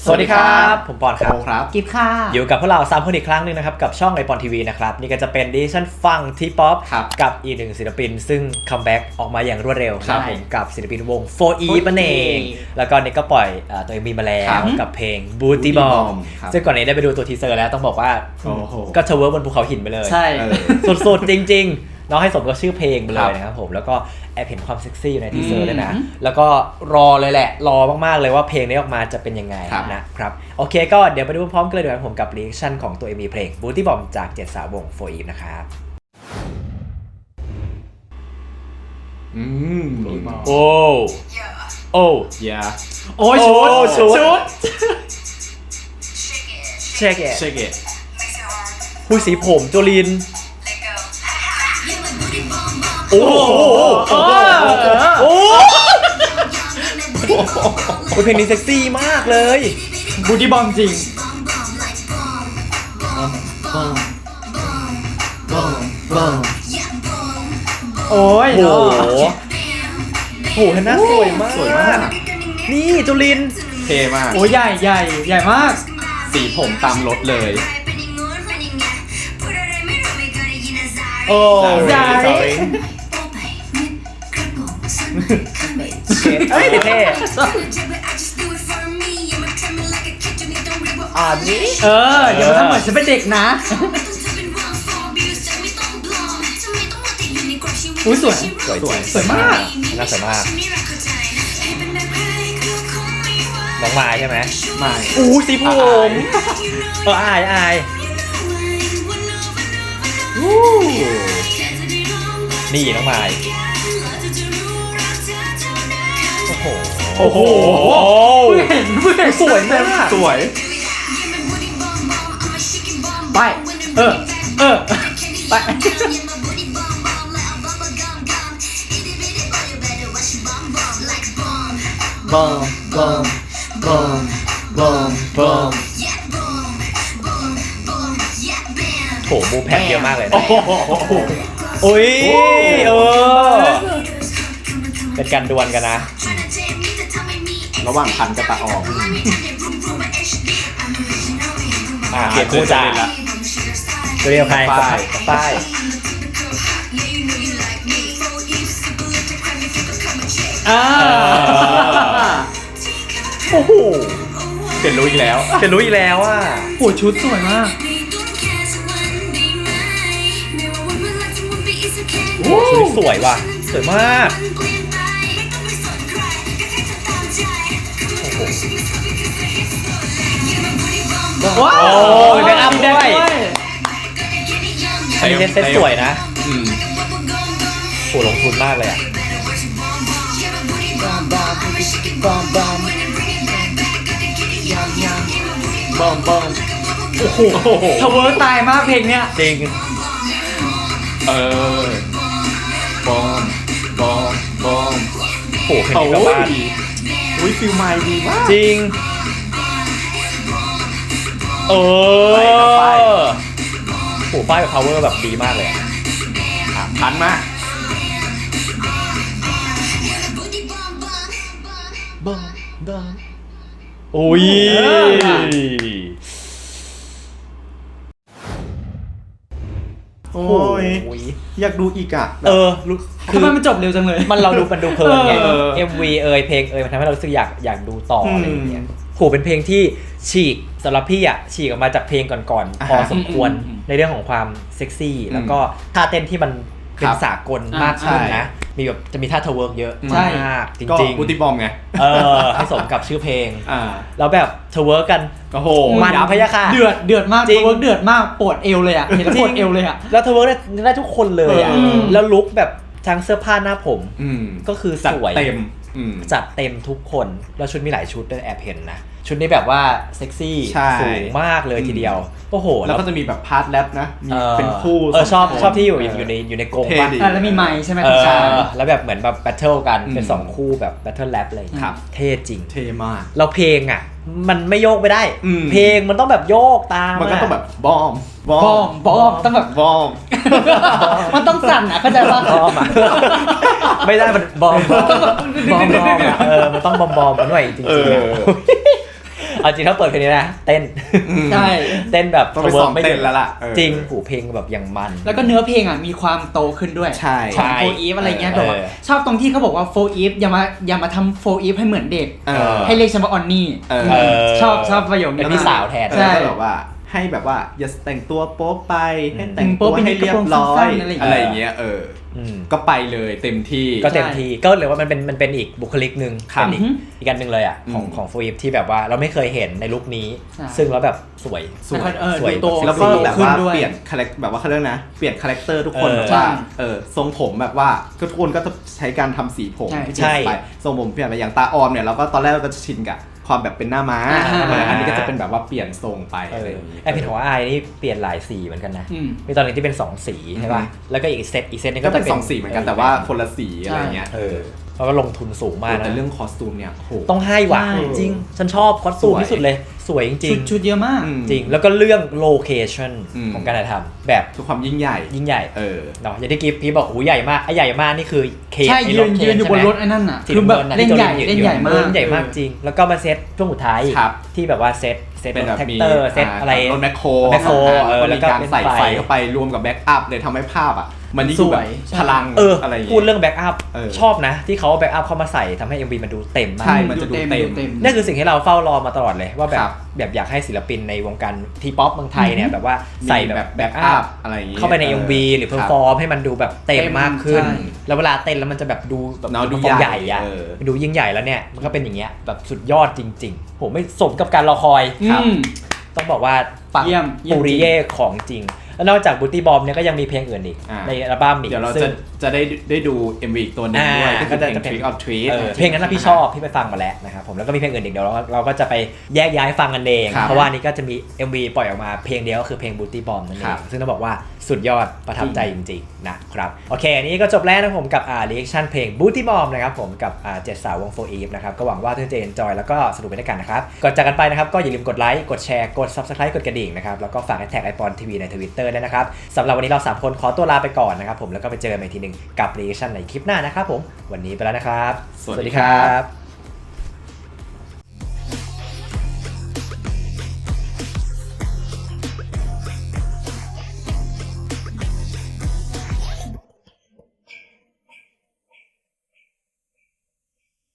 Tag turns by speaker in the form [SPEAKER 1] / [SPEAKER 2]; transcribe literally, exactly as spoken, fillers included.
[SPEAKER 1] สวัสดีครับผมปอนครับ
[SPEAKER 2] ครับ
[SPEAKER 3] กิฟค่ะ
[SPEAKER 1] อยู่กับพวกเราสามคนอีกครั้งนึงนะครับกับช่องไอปอนทีวีนะครับนี่ก็จะเป็นดิชั่นฟังทีป๊อปกับอีกหนึ่งศิลปินซึ่งคัมแบ็กออกมาอย่างรวดเร็วครับผมกับศิลปินวง โฟร์ อี นั่นเองแล้วก็นี่ก็ปล่อยตัวเอ็มวีมาแล้วกับเพลง Booty Bomb ซึ่งก่อนนี้ได้ไปดูตัวทีเซอร์แล้วต้องบอกว่าก็เทเวิร์กบนภูเขาหินไปเลย
[SPEAKER 3] ใช่
[SPEAKER 1] สุดๆจริงๆน้องให้สมกับชื่อเพลงไปเลยนะครับผมแล้วก็แอบเห็นความเซ็กซี่อยู่ในทีเซอร์ด้วยนะแล้วก็รอเลยแหละรอมากๆเลยว่าเพลงนี้ออกมาจะเป็นยังไงนะครับโอเคก็เดี๋ยวไปดูพร้อมกันเลยดีกว่าผมกับรีแอคชั่นของตัว เอ็ม วี เพลง Booty Bomb จากเจ็ดสาววง โฟร์ อี นะครับ
[SPEAKER 2] อืม
[SPEAKER 1] โอ้โอ้
[SPEAKER 2] ยา
[SPEAKER 3] โอ้ยชุดชุด
[SPEAKER 1] เช็คเอท
[SPEAKER 2] เช็คเอท
[SPEAKER 1] คุยสีผมโจลินโอ้โหโอ้โหเพลงนี้เซ็กซี่มากเลย
[SPEAKER 3] บูตี้บอมจริงโอ้ย
[SPEAKER 1] โอ้โหโหหน้าสวยมาก
[SPEAKER 2] สวยมาก
[SPEAKER 1] นี่จุลิน
[SPEAKER 2] เท่มาก
[SPEAKER 3] โอ้ยใหญ่ใหญ่ใหญ่มาก
[SPEAKER 2] สีผมตามรถเลย
[SPEAKER 1] โอ้
[SPEAKER 3] ใหญ่
[SPEAKER 1] เฮ้ยเท่อ่านี่
[SPEAKER 3] เอออย่ามาทำเหมือนฉันเป็นเด็กนะอุ้ยสวย
[SPEAKER 1] สวยสวย
[SPEAKER 3] สวยมาก
[SPEAKER 1] น่าสวยมากน้องไม้ใช่ไหม
[SPEAKER 2] ไม้
[SPEAKER 1] อู้สีผมเอออายอายนี่น้องไม้โอ้โห
[SPEAKER 3] โอ้โหเห็นเห็น
[SPEAKER 1] สวยมาก
[SPEAKER 2] สวย
[SPEAKER 3] ไปเออเออไป
[SPEAKER 2] บอมบอมบอมบอมบอม
[SPEAKER 1] โถมูแพคเยอะมากเลยนะโอ้ยเออเป็นการดวลกันนะ
[SPEAKER 2] ระหว่างพันกับตาออก
[SPEAKER 1] อ่าเปลี่ยนคู่จ่าตัวเดียวใครป้ายป้าย
[SPEAKER 3] อ่า
[SPEAKER 1] โอ้โห
[SPEAKER 2] เปลี่ยนรู้อีกแล้ว
[SPEAKER 1] เปลี่ยนรู้อีกแล้วอ่ะ
[SPEAKER 3] โอ้ชุดสวยมาก
[SPEAKER 1] ชุดสวยว่ะสวยมาก
[SPEAKER 3] ว้าว
[SPEAKER 1] โอ้ยเป็นอัพด้วยอันนี้เซ็ตสวยนะโหลงทุนมากเลยอ่ะ
[SPEAKER 2] บอมบอม
[SPEAKER 1] โอ้โห
[SPEAKER 3] ทาวเวอร์ตายมากเพลงเนี้ย
[SPEAKER 1] จริง
[SPEAKER 2] เออบอมบอมบอม
[SPEAKER 1] โหเพลงนี้กับบ้าน
[SPEAKER 2] อุ้ยฟิลไมล์ดีมาก
[SPEAKER 1] จริงเออโหป้ายกับ power แบบดีมากเลยอ่ะ
[SPEAKER 2] ทันมาก
[SPEAKER 1] บอมบอมโอ้ย
[SPEAKER 2] โอ้ยอยากดูอีกอ่ะ
[SPEAKER 1] เออ
[SPEAKER 3] ทำไมมันจบเร็วจังเลย
[SPEAKER 1] มันเราดูมันดูเพลินไง เอ็ม วี เอ่ยเพลงเอ่ยมันทำให้เรารู้สึกอยากอยากดูต่ออะไรอย่างเงี้ยโหเป็นเพลงที่ฉีกสำหรับพี่อ่ะฉีกออกมาจากเพลงก่อนๆพอสมควรในเรื่องของความเซ็กซี่แล้วก็ท่าเต้นที่มันเป็นสากลมากขึ้นนะมีแบบจะมีท่าเทเวิร์กเยอะมากจริงๆ
[SPEAKER 2] บูตี้บอมไง
[SPEAKER 1] เออให้สมกับชื่อเพลง
[SPEAKER 2] อ่า
[SPEAKER 1] แล้วแบบเทเวิร์กกัน
[SPEAKER 2] โอ้โห
[SPEAKER 1] มันพยาค่ะ
[SPEAKER 3] เดือดเดือดมากเทเวิร์กเดือดมากปวดเอวเลยอ่ะเห็นแล้วปวดเอวเลยอ่ะ
[SPEAKER 1] แล้วเทเวิร์กได้ได้ทุกคนเลยอ่ะแล้วลุคแบบทั้งเสื้อผ้าหน้าผมก็คือสวย
[SPEAKER 2] เต็ม
[SPEAKER 1] จัดเต็มทุกคนแล้วชุดมีหลายชุดด้วยแอบเห็นนะชุดนี้แบบว่าเซ็กซี่สูงมากเลยทีเดียวโอ้โห
[SPEAKER 2] แล้วก็จะมีแบบพาร์ทแรปนะมีเป็นคู่
[SPEAKER 1] เออชอบชอบที่อยู่อยู่ในอยู่ในกรงป่ะ
[SPEAKER 3] แล้วมีไมค์ใช่ไหม
[SPEAKER 1] ใช่แล้วแบบเหมือนแบบแบทเทิลกันเป็นสองคู่แบบแบทเทิลแรปเลยครับเท่จริง
[SPEAKER 2] เท่มาก
[SPEAKER 1] เราเพลงอ่ะมันไม่โยกไม่ได้เพลงมันต้องแบบโยกตาม
[SPEAKER 2] มันก็ต้องแบบบอม
[SPEAKER 3] บอมบอมต้องแบบ
[SPEAKER 2] บอม
[SPEAKER 3] มันต้องสั่นอ่ะเข้าใจป่ะ
[SPEAKER 1] บอมไม่ได้มันบอมบอมบอมบอมเออมันต้องบอมบอมมันหน่อยจริงๆเอาจริงถ้าเปิดเพลงนี้นะเต้น
[SPEAKER 3] ใช่
[SPEAKER 1] เต้นแบบ
[SPEAKER 2] ต้องไปซ้อมเต้นแล้วล่ะเออ
[SPEAKER 1] จริงหูเพลงแบบอย่างมัน
[SPEAKER 3] แล้วก็เนื้อเพลงอ่ะมีความโตขึ้นด้วย
[SPEAKER 2] ใช่
[SPEAKER 3] ของโฟอีฟอะไรเงี้ยแบบว่า
[SPEAKER 1] เออ
[SPEAKER 3] ชอบตรงที่เขาบอกว่าโฟอีฟอย่ามาอย่ามาทำโฟอีฟให้เหมือนเด็ก
[SPEAKER 2] เออ
[SPEAKER 3] ให้เรียกฉันว่าออนนี่
[SPEAKER 2] เออ
[SPEAKER 3] ชอบชอบประโยค
[SPEAKER 1] เป็
[SPEAKER 3] นี้
[SPEAKER 1] นพี่สาวแทน
[SPEAKER 2] เออ
[SPEAKER 3] ใช่
[SPEAKER 2] ก็แบบว่าให้แบบว่าอย่าแต่งตัวโป๊ไปให้
[SPEAKER 1] อืม
[SPEAKER 2] แต่งตัวให้เรียบร้อย
[SPEAKER 3] กระโปรงสั้นๆอะไรอย่างเงี้ย
[SPEAKER 2] อะไรอย่างเงี้ยเออ
[SPEAKER 1] อืม
[SPEAKER 2] ก็ไปเลยเต็มที่
[SPEAKER 1] ก็เต็มที่ก็เลยว่ามันเป็นมันเป็นอีกบุคลิกหนึ่ง
[SPEAKER 2] ครับ
[SPEAKER 1] เป็นอีกอีกอันหนึ่งเลยอ่ะของ
[SPEAKER 2] อืม
[SPEAKER 1] ของโฟอีฟที่แบบว่าเราไม่เคยเห็นในลุคนี้
[SPEAKER 3] ใช่
[SPEAKER 1] ซึ่งแล้วแบบสวย
[SPEAKER 3] สวยเออ
[SPEAKER 1] สวย
[SPEAKER 3] ดูโต
[SPEAKER 2] แล้วก็แบบ
[SPEAKER 3] ขึ้น
[SPEAKER 2] ว่า
[SPEAKER 3] ด้วย
[SPEAKER 2] เปลี่ยนคาแรคแบบว่าเขาเรียกนะเปลี่ยนคาแรคเตอร์ทุกคน
[SPEAKER 1] เออ
[SPEAKER 2] แบบว่า
[SPEAKER 3] ใช่
[SPEAKER 2] เออทรงผมแบบว่าทุกคนก็จะใช้การทำสีผม
[SPEAKER 3] ใช่
[SPEAKER 2] ที่เปลี่ยนไปทรงผมเปลี่ยนไปอย่างตาออมเนี่ยเราก็ตอนแรกเราก็จะชินกับความแบบเป็นหน้าม้า
[SPEAKER 3] อ่า
[SPEAKER 2] เอออันนี้ก็จะเป็นแบบว่าเปลี่ยนทรงไป
[SPEAKER 1] เอ
[SPEAKER 2] อะไร
[SPEAKER 1] อ
[SPEAKER 2] อย่างงี้
[SPEAKER 1] ไอเพนของไอายนี่เปลี่ยนหลายสีเหมือนกันนะ
[SPEAKER 3] อืม
[SPEAKER 1] มีตอนนึงที่เป็นสองสีใช่ป่ะ
[SPEAKER 2] อืม
[SPEAKER 1] แล้วก็อีกเซตอีกเซตนึง
[SPEAKER 2] ก็
[SPEAKER 1] ก็
[SPEAKER 2] เป็
[SPEAKER 1] จะ
[SPEAKER 2] น
[SPEAKER 1] เป็น
[SPEAKER 2] สองสีเหมือนกันแต่ว่าคนละสีอะไรเงี้ย
[SPEAKER 1] เออแล้วก็ลงทุนสูงมาก
[SPEAKER 2] แต่
[SPEAKER 1] นะ
[SPEAKER 2] เรื่องคอสตูมเนี่ยโห
[SPEAKER 1] ต้องให้ว่ะ
[SPEAKER 3] ใช่
[SPEAKER 1] จริงฉันชอบคอสตูม
[SPEAKER 2] สวย
[SPEAKER 1] ที่สุดเลยสวยจริ
[SPEAKER 3] ชุ
[SPEAKER 1] ง
[SPEAKER 3] ดชุดเยอะมาก
[SPEAKER 2] อืม
[SPEAKER 1] จริงแล้วก็เรื่องโลเคชั่น
[SPEAKER 2] อืม
[SPEAKER 1] ของการถ่ายทำแบบ
[SPEAKER 2] คือความยิ่งใหญ่
[SPEAKER 1] ยิ่งใหญ่
[SPEAKER 2] เออ
[SPEAKER 1] เนาะอย่างที่กิฟพี่บอกโอ้โหใหญ่มากไอ้ใหญ่มากนี่คือเค
[SPEAKER 3] ใช่
[SPEAKER 1] ไอ้
[SPEAKER 3] ยื
[SPEAKER 1] ร
[SPEAKER 3] น
[SPEAKER 1] ถเค
[SPEAKER 3] ยืนอยู่บน
[SPEAKER 1] ใช่ไหม
[SPEAKER 3] รถไอ้นั่นน่ะ
[SPEAKER 1] สี
[SPEAKER 3] คือแบบ
[SPEAKER 1] ำงิะ
[SPEAKER 3] เล่น
[SPEAKER 1] ที่
[SPEAKER 3] ใหญ่
[SPEAKER 1] ตัว
[SPEAKER 3] เล่นใหญ่มาก
[SPEAKER 1] เออเล่นใหญ่มากจริง แล้วก็มาเซตช่วงสุดท้าย
[SPEAKER 2] ครับ
[SPEAKER 1] ที่แบบว่าเซตเซต
[SPEAKER 2] เป็นแบบ
[SPEAKER 1] แท็ก
[SPEAKER 2] มี
[SPEAKER 1] เตอร์เซตอะไร
[SPEAKER 2] รถแมคโคร
[SPEAKER 1] แมคโครเออ
[SPEAKER 2] แล้ว
[SPEAKER 1] แล้ว
[SPEAKER 2] ก็
[SPEAKER 1] ก็
[SPEAKER 2] มีการใส่
[SPEAKER 1] เป็นไฟ
[SPEAKER 2] ไฟเข้าไปรวมกับแบ็กอัพเลยทำให้ภาพอ่ะ มันยิ่งดูแบบ
[SPEAKER 3] สวยใช่
[SPEAKER 2] พลัง
[SPEAKER 1] เออ
[SPEAKER 2] อะไรอย่าง
[SPEAKER 1] พูด
[SPEAKER 2] เงี้ย
[SPEAKER 1] เรื่องแบ็กอัพ
[SPEAKER 2] เออ
[SPEAKER 1] ชอบนะ ที่เขาเอาแบ็กอัพเข้ามาใส่ทำให้ เอ็ม วี มันดูเต็มมาก
[SPEAKER 2] ใช่ มันจะดูเต็ม
[SPEAKER 1] นั่นคือสิ่งที่เราเฝ้ารอมาตลอดเลยว่าแบ
[SPEAKER 2] ครับ บ
[SPEAKER 1] แบบอยากให้ศิลปินในวงการทีป๊อปเมืองไทยเนี่ยแบบว่าใส่
[SPEAKER 2] มี
[SPEAKER 1] แบบ
[SPEAKER 2] แบ็
[SPEAKER 1] แบ็
[SPEAKER 2] ก
[SPEAKER 1] ก
[SPEAKER 2] อั
[SPEAKER 1] อั
[SPEAKER 2] พ
[SPEAKER 1] พ
[SPEAKER 2] อะไรอย่างงี้
[SPEAKER 1] เข้าไปใน เอ็ม วี หรือเพอร์ฟอร์มให้มันดูแบบเต็มมากขึ้น
[SPEAKER 3] ใช่
[SPEAKER 1] แล้วเวลาเต้นแล้วมันจะแบบดูแบบ
[SPEAKER 2] เนาะดู
[SPEAKER 1] ฟอร์ม
[SPEAKER 2] ให
[SPEAKER 1] ให
[SPEAKER 2] ญ่
[SPEAKER 1] ญ่อะ
[SPEAKER 2] เออ
[SPEAKER 1] ดูยิ่งใหญ่แล้วเนี่ยมันก็เป็นอย่างเงี้ยแบบสุดยอดจริงๆผมไม่สมกับการรอคอย
[SPEAKER 3] อืม
[SPEAKER 1] ต้องบอกว่าปัง
[SPEAKER 3] เยี่ยมเยี่ยม
[SPEAKER 1] ปูริเย่ของจริง แล้วนอกจากบูตี้บอมเนี่ยก็ยังมีเพลงอื่นอีก
[SPEAKER 2] อ่า
[SPEAKER 1] ในอัลบั้มอีก
[SPEAKER 2] เดี๋ยวเรา
[SPEAKER 1] ซึ่
[SPEAKER 2] จะ
[SPEAKER 1] ง
[SPEAKER 2] จะได้ได้ดู เอ็ม วี อีกตัวหนึงด้วย
[SPEAKER 1] อ่า
[SPEAKER 2] ก็คือเพลง
[SPEAKER 1] ก็จะเป็น
[SPEAKER 2] Trick or Treat
[SPEAKER 1] เออเพลงนั้นนะพี่ชอบพี่ไปฟังมาแล้วนะครับผมแล้วก็มีเพลงอื่นอีกเดี๋ยวเราเราก็จะไปแยกย้ายฟังกันเอง
[SPEAKER 2] ครับ
[SPEAKER 1] เพราะว่านี่ก็จะมี เอ็ม วี ปล่อยออกมาเพลงเดียวก็คือเพลง Booty Bomb นั่นเอ
[SPEAKER 2] ครั
[SPEAKER 1] ง
[SPEAKER 2] บ
[SPEAKER 1] ซึ่งต้องบอกว่าสุดยอดประทับใจจริงๆนะครับโอเคอันนี้ก็จบแล้วนะผมกับอ่า reaction เพลง Booty Bomb นะครับผมกับอ่าเจ็ดสาววง โฟร์ อีฟ นะครับก็หวังว่าทุกคนจะ enjoy แล้วก็สนุกไปด้วยกันนะครับก่อนจากกันไปนะครับก็อย่าลืมกดไลค์กดแชร์กด Subscribe กดกระดิ่งนะครับแล้วก็ฝากแท็กไอปอนทีวีใน Twitter ด้วยนะครับสำหรับวันนี้เราสามคนขอตัวลาไปก่อนนะครับผมแล้วก็ไปเจอกันอีกทีหนึงกับ reaction ในคลิปหน้านะครับผมวันนี้ไปแล้วนะครับ
[SPEAKER 2] สวัสดีครับ